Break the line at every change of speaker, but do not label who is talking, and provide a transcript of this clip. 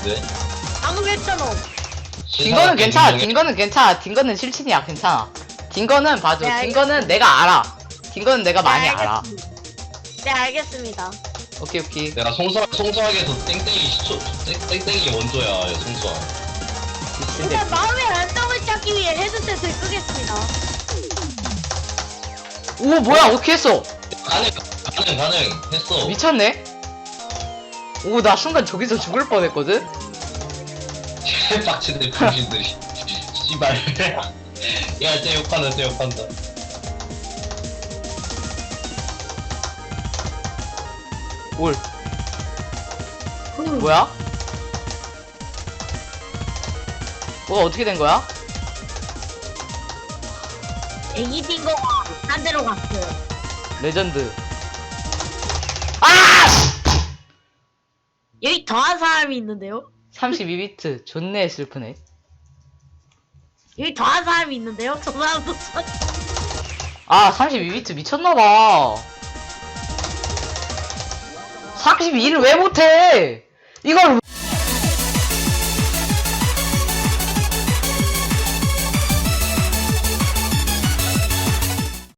네?
아무 했잖아.
딩거는 괜찮아. 딩거는 괜찮아. 딩거는 실친이야. 괜찮아. 딩거는 봐줘.
네,
딩거는 내가 알아. 딩거는 내가 많이 알아.
네, 알겠습니다.
오케이 오케이.
내가 송수하게 해서 땡땡이 시초 땡땡이 원조야 송수아.
미친데.
일단 마음의 안정을 찾기 위해 헤드셋을 끄겠습니다.
오 뭐야 어떻게 했어?
가능 했어.
미쳤네. 오 나 순간 저기서 죽을 뻔했거든.
빡치네 병신들이. 씨발. 야, 쟤 욕한다.
올. 뭐야? 뭐가 어떻게 된 거야?
애기 딩거가 딴 데로 갔어요.
레전드. 아!
여기 더한 사람이 있는데요?
32비트 존내 슬프네.
여기 더한 사람이 있는데요? 저 사람도
아 32비트 미쳤나봐. 32를 왜 못해? 이걸